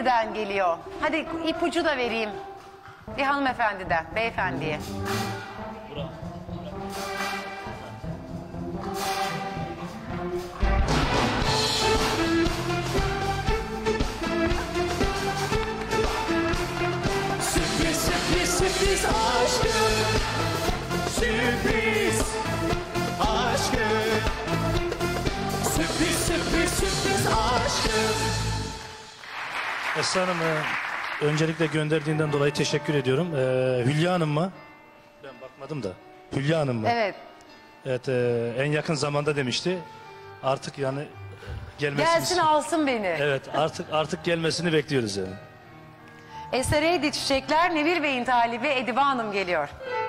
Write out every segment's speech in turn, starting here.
birden geliyor. Hadi ipucu da vereyim. Bir hanımefendiden, beyefendiye. Sürpriz, sürpriz, sürpriz aşkım. Sürpriz aşkım. Sürpriz, sürpriz, sürpriz aşkım. Esra Hanım, öncelikle gönderdiğinden dolayı teşekkür ediyorum. Hülya Hanım mı? Ben bakmadım da. Hülya Hanım mı? Evet. Evet, en yakın zamanda demişti. Artık yani gelmesini... Gelsin alsın beni. Evet, artık gelmesini bekliyoruz yani. Esereydi Çiçekler, Nevir Bey'in talibi Edibe Hanım geliyor.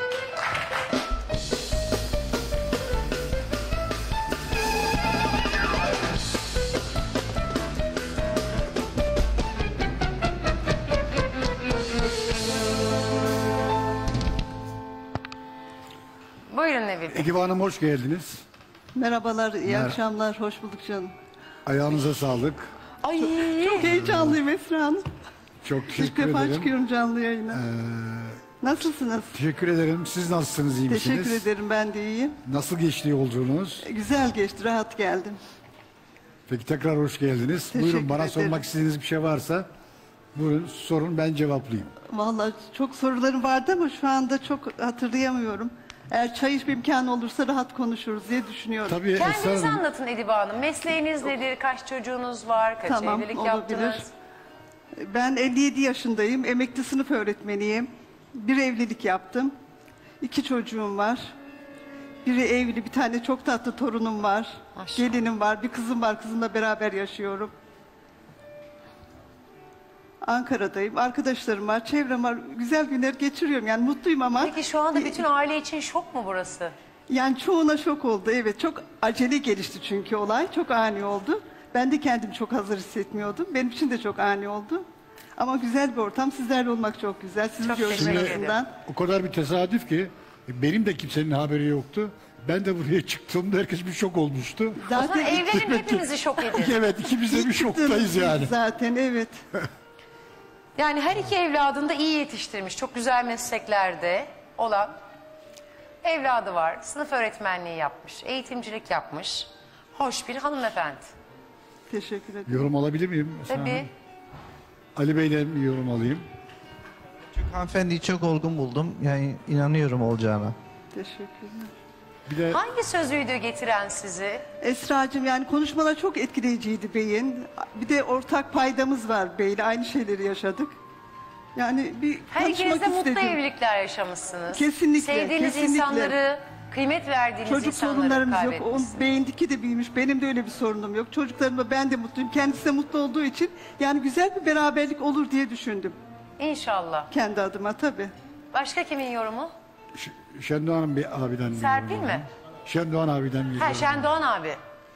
Buyurun Nevir Bey. Edibe Hanım hoş geldiniz. Merhabalar, iyi akşamlar, hoş bulduk canım. Ayağınıza sağlık. Ay. Çok heyecanlıyım Esra Hanım. Çok İlk teşekkür defa ederim. çıkıyorum canlı yayına. Nasılsınız? Teşekkür ederim. Siz nasılsınız, iyi misiniz? Teşekkür ederim, ben de iyiyim. Nasıl geçti yolculuğunuz? Güzel geçti, rahat geldim. Peki tekrar hoş geldiniz. Teşekkür Buyurun, bana ederim. sormak istediğiniz bir şey varsa buyurun sorun, ben cevaplayayım. Vallahi çok sorularım vardı ama şu anda çok hatırlayamıyorum. Eğer çay içme imkanı olursa rahat konuşuruz diye düşünüyorum. Tabii Esra Kendinizi Hanım, anlatın Edibe Hanım. Mesleğiniz nedir? Kaç çocuğunuz var? Kaç Tamam, evlilik olabilir. yaptınız? Ben 57 yaşındayım, emekli sınıf öğretmeniyim. Bir evlilik yaptım. 2 çocuğum var. Biri evli, bir tane çok tatlı torunum var. Maşallah. Gelinim var, bir kızım var, kızımla beraber yaşıyorum. Ankara'dayım, arkadaşlarım var, çevrem var. Güzel günler geçiriyorum, yani mutluyum ama... Peki şu anda bütün aile için şok mu burası? Yani çoğuna şok oldu, evet. Çok acele gelişti çünkü olay, çok ani oldu. Ben de kendimi çok hazır hissetmiyordum. Benim için de çok ani oldu. Ama güzel bir ortam, sizlerle olmak çok güzel. Sizi Çok gördüğüm teşekkür açısından. o kadar bir tesadüf ki benim de kimsenin haberi yoktu. Ben de buraya çıktığımda herkes bir şok olmuştu. O zaman Zaten evlenin hepimizi şok edin. Evet, ikimiz de bir şoktayız çıktığımız yani. zaten, evet. Yani her iki evladını da iyi yetiştirmiş. Çok güzel mesleklerde olan evladı var. Sınıf öğretmenliği yapmış. Eğitimcilik yapmış. Hoş bir hanımefendi. Teşekkür ederim. Yorum alabilir miyim? Esra Tabii. Hanım? Ali Bey'den bir yorum alayım. Hanımefendiyi çok olgun buldum. Yani inanıyorum olacağına. Teşekkürler. Bir de Hangi sözüydü getiren sizi? Esra'cığım, yani konuşmalar çok etkileyiciydi beyin. Bir de ortak paydamız var beyle. Aynı şeyleri yaşadık. Yani bir Her ikiniz konuşmak de mutlu istedim. evlilikler yaşamışsınız. Kesinlikle, Sevdiğiniz kesinlikle. insanları, kıymet verdiğiniz Çocuk insanları sorunlarımız yok. kaybetmişsiniz. Onun beyindeki de büyümüş. Benim de öyle bir sorunum yok. Çocuklarımla ben de mutluyum. Kendisi de mutlu olduğu için yani güzel bir beraberlik olur diye düşündüm. İnşallah. Kendi adıma tabii. Başka kimin yorumu? Şendoğan bir abiden bir Serpil yorum mi? alayım. Şendoğan abiden bir Ha, yorum. Şendoğan abi.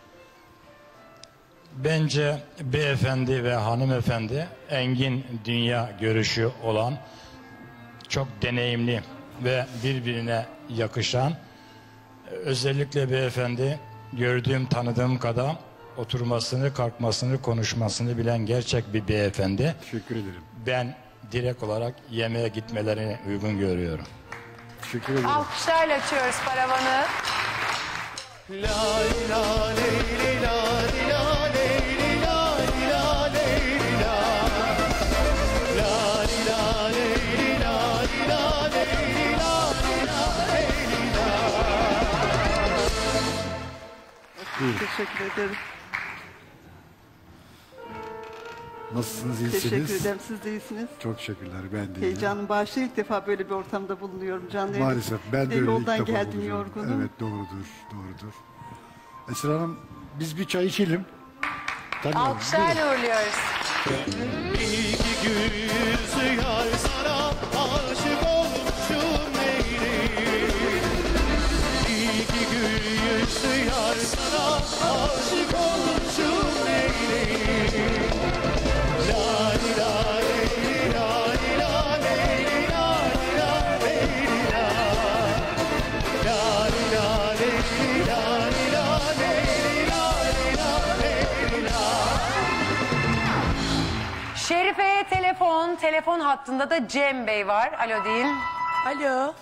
Bence beyefendi ve hanımefendi engin dünya görüşü olan, çok deneyimli ve birbirine yakışan, özellikle beyefendi gördüğüm tanıdığım kadar oturmasını, kalkmasını, konuşmasını bilen gerçek bir beyefendi. Teşekkür ederim. Ben direkt olarak yemeğe gitmelerini uygun görüyorum. Teşekkür ederim. Alkışlarla açıyoruz paravanı. La la leyli la la leyli la la leyli la. La la leyli la la leyli la la leyli la. Teşekkür ederim. Nasılsınız, iyisiniz? Teşekkür ederim. Siz de iyisiniz. Çok teşekkürler, ben de iyiyim. Heyecanım bağışlı, ilk defa böyle bir ortamda bulunuyorum. Canlı yayın. Maalesef ben de öyle ilk Yoldan defa geldim bulunuyorum. yorgunum. Evet, doğrudur, doğrudur. Esra Hanım, biz bir çay içelim. Tabii. Buyurun. Alkışlarla uğurluyoruz. İki yüzü yar sana aşık olmuşum neyli. İki yüzü yar sana aşık olmuşum neyli. La la leyli la la leyli la la leyli la. La la leyli la la leyli la la leyli la. Şerife'ye telefon hattında da Cem Bey var. Alo deyin. Alo.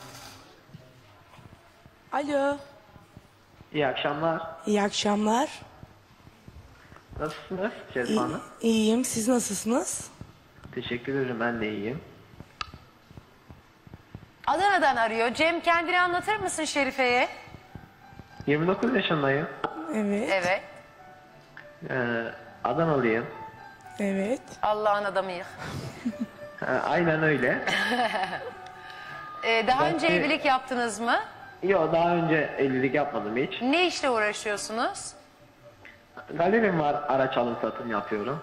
Alo. İyi akşamlar. İyi akşamlar. Nasılsınız Şerif Hanım? İyiyim. Siz nasılsınız? Teşekkür ederim, ben de iyiyim. Adana'dan arıyor. Cem, kendini anlatır mısın Şerife'ye? 29 yaşındayım. Evet. Evet. Adanalıyım. Evet. Allah'ın adamıyım. Aynen öyle. Daha Ben önce de- evlilik yaptınız mı? Yok, daha önce evlilik yapmadım hiç. Ne işle uğraşıyorsunuz? Galerim var, araç alım satım yapıyorum.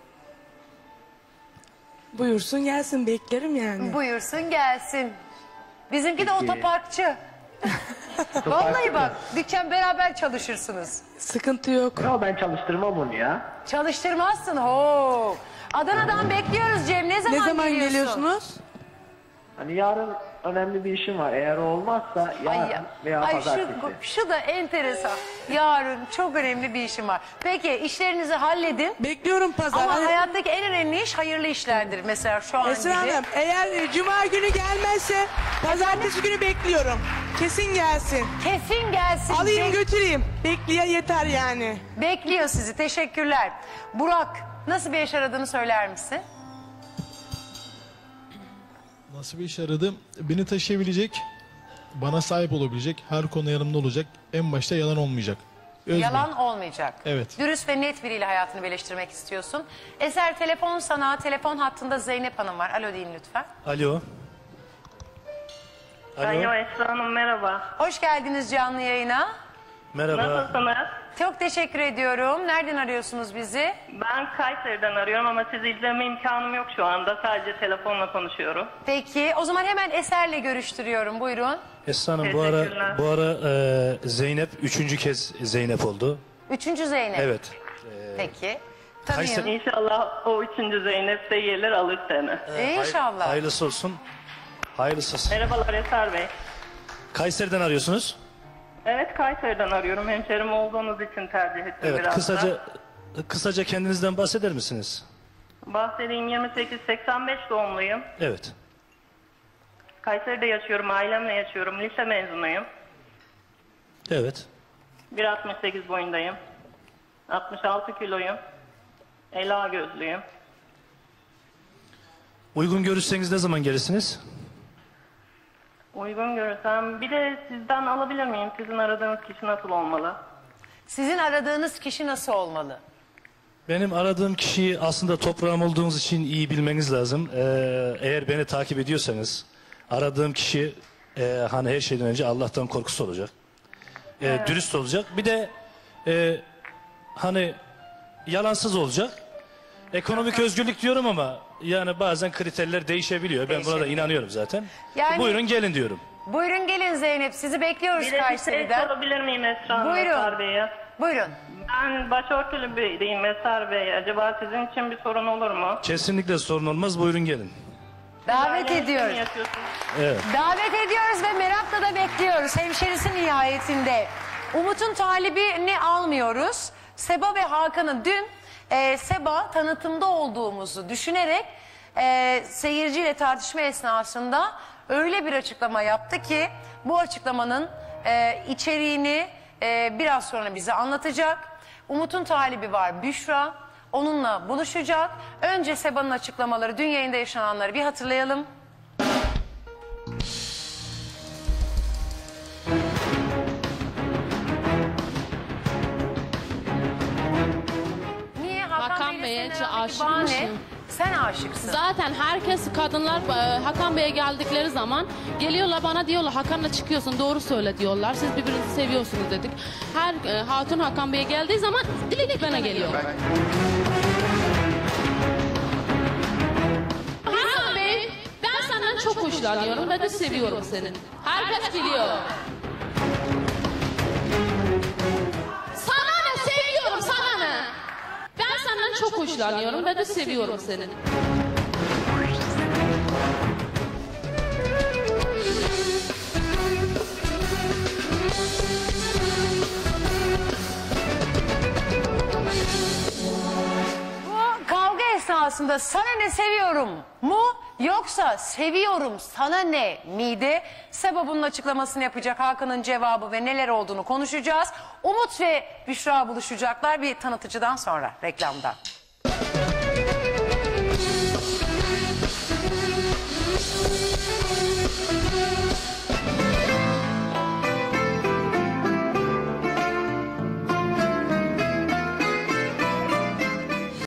Buyursun gelsin, beklerim yani. Buyursun gelsin. Bizimki de Peki. otoparkçı. Vallahi bak, dükkan beraber çalışırsınız. Sıkıntı yok. Yok, ben çalıştırmam onu ya. Çalıştırmazsın. Ho. Adana'dan bekliyoruz Cem. Ne zaman, Ne zaman geliyorsun? geliyorsunuz? Hani yarın önemli bir işim var. Eğer o olmazsa yarın veya pazartesi. şu da enteresan. Yarın çok önemli bir işim var. Peki işlerinizi halledin. Bekliyorum pazar. Ama Hani- hayattaki en önemli iş hayırlı işlerdir. Mesela şu an Esra gibi. Hanım, eğer cuma günü gelmezse pazartesi günü bekliyorum. Kesin gelsin. Kesin gelsin. Alayım götüreyim. Bekleyen yeter yani. Bekliyor sizi. Teşekkürler. Burak, nasıl bir eş aradığını söyler misin? Nasıl bir iş aradım? Beni taşıyabilecek, bana sahip olabilecek, her konuda yanımda olacak. En başta yalan olmayacak. Özgür. Yalan olmayacak. Evet. Dürüst ve net biriyle hayatını birleştirmek istiyorsun. Eser, telefon sana. Telefon hattında Zeynep Hanım var. Alo deyin lütfen. Alo. Alo Esra Hanım, merhaba. Hoş geldiniz canlı yayına. Merhaba. Nasılsınız? Çok teşekkür ediyorum. Nereden arıyorsunuz bizi? Ben Kayseri'den arıyorum ama sizi izleme imkanım yok şu anda. Sadece telefonla konuşuyorum. Peki, o zaman hemen Eser'le görüştürüyorum. Buyurun. Esra Hanım, Teşekkürler. bu ara Zeynep 3. kez Zeynep oldu. 3. Zeynep. Evet. Peki. Tanıyın. Kayseri- İnşallah o 3. Zeynep de gelir alır seni. İnşallah. Hayırlısı olsun. Hayırlısı olsun. Merhabalar Eser Bey. Kayseri'den arıyorsunuz. Evet, Kayseri'den arıyorum. Hemşerim olduğunuz için tercih ettim Evet, biraz da. kısaca kendinizden bahseder misiniz? Bahsedeyim, 28-85 doğumluyum. Evet. Kayseri'de yaşıyorum, ailemle yaşıyorum. Lise mezunuyum. Evet. 1.68 boyundayım. 66 kiloyum. Ela gözlüyüm. Uygun görürseniz ne zaman gelirsiniz? Uygun görürsem. Bir de sizden alabilir miyim? Sizin aradığınız kişi nasıl olmalı? Sizin aradığınız kişi nasıl olmalı? Benim aradığım kişiyi aslında toprağım olduğunuz için iyi bilmeniz lazım. Eğer beni takip ediyorsanız aradığım kişi hani her şeyden önce Allah'tan korkusu olacak. Dürüst olacak. Bir de hani yalansız olacak. Ekonomik özgürlük diyorum ama yani bazen kriterler değişebiliyor. Ben buna da inanıyorum zaten. Yani- Buyurun gelin diyorum. Buyurun gelin Zeynep. Sizi bekliyoruz Bir de bir şey Kayseri'den. sorabilir miyim Esra Hanım, Buyurun. Eser Bey'e? Buyurun. Ben başörtülü biriyim Eser Bey. Acaba sizin için bir sorun olur mu? Kesinlikle sorun olmaz. Buyurun gelin. Davet Ailenizle mi ediyoruz. yaşıyorsunuz? Evet. Davet ediyoruz ve merakla da bekliyoruz. Hemşerisi nihayetinde. Umut'un talibini almıyoruz. Seba ve Hakan'ın dün Seba tanıtımda olduğumuzu düşünerek seyirciyle tartışma esnasında öyle bir açıklama yaptı ki bu açıklamanın içeriğini biraz sonra bize anlatacak. Umut'un talibi var Büşra. Onunla buluşacak. Önce Seba'nın açıklamaları, dün yayında yaşananları bir hatırlayalım. Niye? Hakan Bey'e senin aradaki aşık bağ ne? mısın? Sen aşıksın. Zaten herkes kadınlar Hakan Bey'e geldikleri zaman geliyorlar bana diyorlar Hakan'la çıkıyorsun doğru söyle diyorlar. Siz birbirinizi seviyorsunuz dedik. Her hatun Hakan Bey'e geldiği zaman dilek bana geliyor. Hakan Bey ben senden çok hoşlanıyorum ve de seviyorum seni. Herkes biliyor. Sana ne seviyorum sana ne? Ben senden çok hoşlanıyorum ve de seviyorum seni. Bu kavga edasında sana ne seviyorum mu yoksa seviyorum sana ne miydi? Seba bunun açıklamasını yapacak, Hakan'ın cevabı ve neler olduğunu konuşacağız. Umut ve Büşra buluşacaklar bir tanıtıcıdan sonra, reklamdan.